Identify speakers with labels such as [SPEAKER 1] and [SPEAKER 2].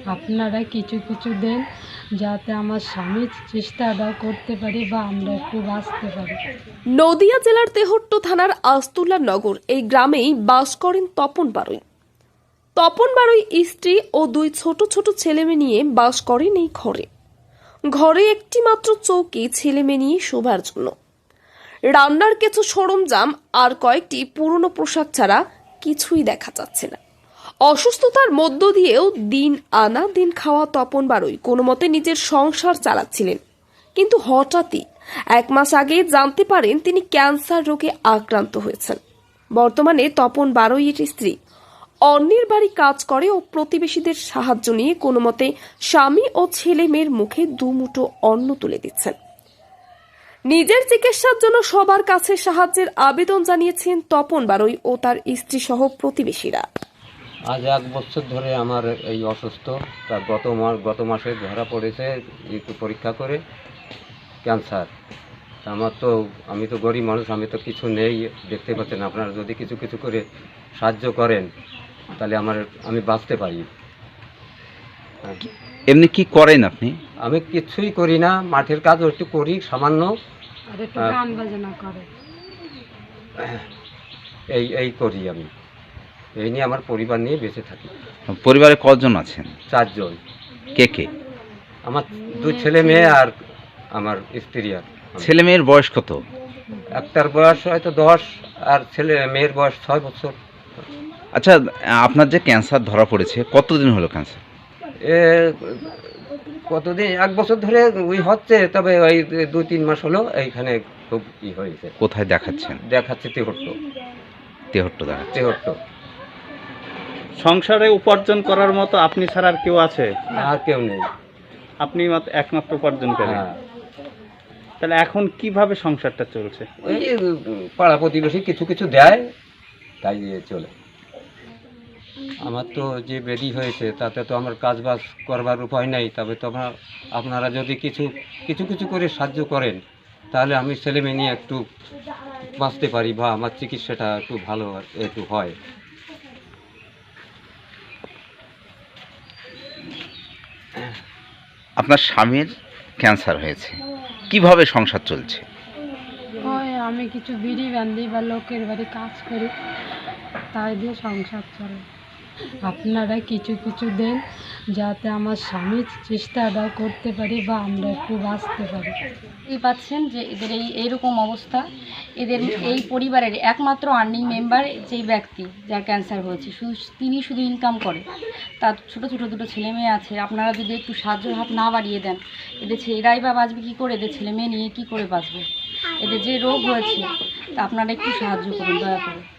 [SPEAKER 1] আপনারা কিছু কিছু দেন যাতে আমার স্বামী চেষ্টাটা করতে পারি বা আমরা একটু বাঁচতে পারি।
[SPEAKER 2] নদিয়া জেলার তেহট্ট থানার আস্তুল্লা নগর এই গ্রামেই বাস করেন তপন বারুই। তপন বারুই স্ত্রী ও দুই ছোট ছোট ছেলেমেয়ে নিয়ে বাস করেন এই ঘরে। ঘরে একটি মাত্র চৌকি ছেলেমেয়ে নিয়ে শোবার জন্য। রান্নার কিছু সরঞ্জাম আর কয়েকটি পুরনো পোশাক ছাড়া কিছুই দেখা যাচ্ছে না। অসুস্থতার মধ্য দিয়েও দিন আনা দিন খাওয়া তপন বারুই কোনো মতে নিজের সংসার চালাচ্ছিলেন, কিন্তু হঠাৎই 1 মাস আগে জানতে পারেন তিনি ক্যান্সার রোগে আক্রান্ত হয়েছেন। বর্তমানে তপন বারুইয়ের স্ত্রী অন্যের বাড়ি কাজ করে ও প্রতিবেশীদের সাহায্য নিয়ে কোনো মতে স্বামী ও ছেলে মেয়ের মুখে দুমুঠো অন্ন তুলে দিচ্ছেন। নিজের চিকিৎসার জন্য সবার কাছে সাহায্যের আবেদন জানিয়েছেন তপন বারুই ও তার স্ত্রী সহ প্রতিবেশীরা।
[SPEAKER 3] আজ 1 বছর ধরে আমার এই অসুস্থ, তা গত মাসে ধরা পড়েছে একটু পরীক্ষা করে ক্যান্সার। আমি তো গরিব মানুষ, আমি তো কিছু নেই, দেখতে পাচ্ছেন। আপনারা যদি কিছু কিছু করে সাহায্য করেন তাহলে আমি বাঁচতে পারি।
[SPEAKER 4] এমনি কি করেন আপনি?
[SPEAKER 3] আমি কিছুই করি না, মাঠের কাজও একটু করি সামান্য,
[SPEAKER 1] আর একটু গান বাজনা করে
[SPEAKER 3] এই করি। আমি এই নিয়ে আমার পরিবার নিয়ে বেঁচে থাকি।
[SPEAKER 4] পরিবারে কজন আছেন?
[SPEAKER 3] 4 জন।
[SPEAKER 4] কে কে?
[SPEAKER 3] আমার 2 ছেলে মেয়ে আর আমার স্ত্রী। আর
[SPEAKER 4] ছেলে মেয়ের বয়স কত?
[SPEAKER 3] একটার বয়স হয়তো 10 আর মেয়ের বয়স 6 বছর।
[SPEAKER 4] আচ্ছা, আপনার যে ক্যান্সার ধরা পড়েছে কতদিন হলো ক্যান্সার?
[SPEAKER 3] কতদিন 1 বছর ধরে হচ্ছে, তবে ওই 2-3 মাস হলো এইখানে খুব হয়েছে।
[SPEAKER 4] কোথায় দেখাচ্ছেন?
[SPEAKER 3] দেখাচ্ছে তেহট্ট
[SPEAKER 4] দেখাচ্ছেন।
[SPEAKER 3] তেহট্ট।
[SPEAKER 5] সংসারে উপার্জন করার মতো আপনি ছাড়া আর কেউ আছে?
[SPEAKER 3] আর কেউ নেই,
[SPEAKER 5] আপনি একমাত্র উপার্জন করেন।
[SPEAKER 3] হ্যাঁ।
[SPEAKER 5] তাহলে এখন কিভাবে সংসারটা চলছে?
[SPEAKER 3] ওই পাড়া প্রতিবেশী কিছু কিছু দেয়, তাই দিয়ে চলে। আমার তো যে ব্যাধি হয়েছে তাতে তো আমার কাজবাজ করবার উপায় নাই। তবে তো আপনারা যদি কিছু কিছু করে সাহায্য করেন তাহলে আমি ছেলে মেয়ে নিয়ে একটু বাঁচতে পারি বা আমার চিকিৎসাটা একটু ভালো একটু হয়।
[SPEAKER 4] আপনার স্বামীর ক্যান্সার হয়েছে, কিভাবে সংসার চলছে?
[SPEAKER 1] ওই আমি কিছু বিড়ি বান্ধি বা লোকের বাড়ি কাজ করি, তাই দিয়ে সংসার চলে। আপনারা কিছু কিছু দেন যাতে আমার স্বামী চেষ্টাটা করতে পারি বা আমরা একটু বাঁচতে পারি।
[SPEAKER 6] এই পাচ্ছেন যে এদের এইরকম অবস্থা, এদের এই পরিবারের একমাত্র আর্নিং মেম্বার যেই ব্যক্তি যার ক্যান্সার হয়েছে, তিনি শুধু ইনকাম করে। তার ছোট ছোট 2 ছেলে মেয়ে আছে। আপনারা যদি একটু সাহায্য হাত না বাড়িয়ে দেন, এরাই বা বাঁচবে কী করে? এদের ছেলে মেয়ে নিয়ে কী করে বাঁচবে? এদের যে রোগ হয়েছে, তা আপনারা একটু সাহায্য করুন দয়া করে।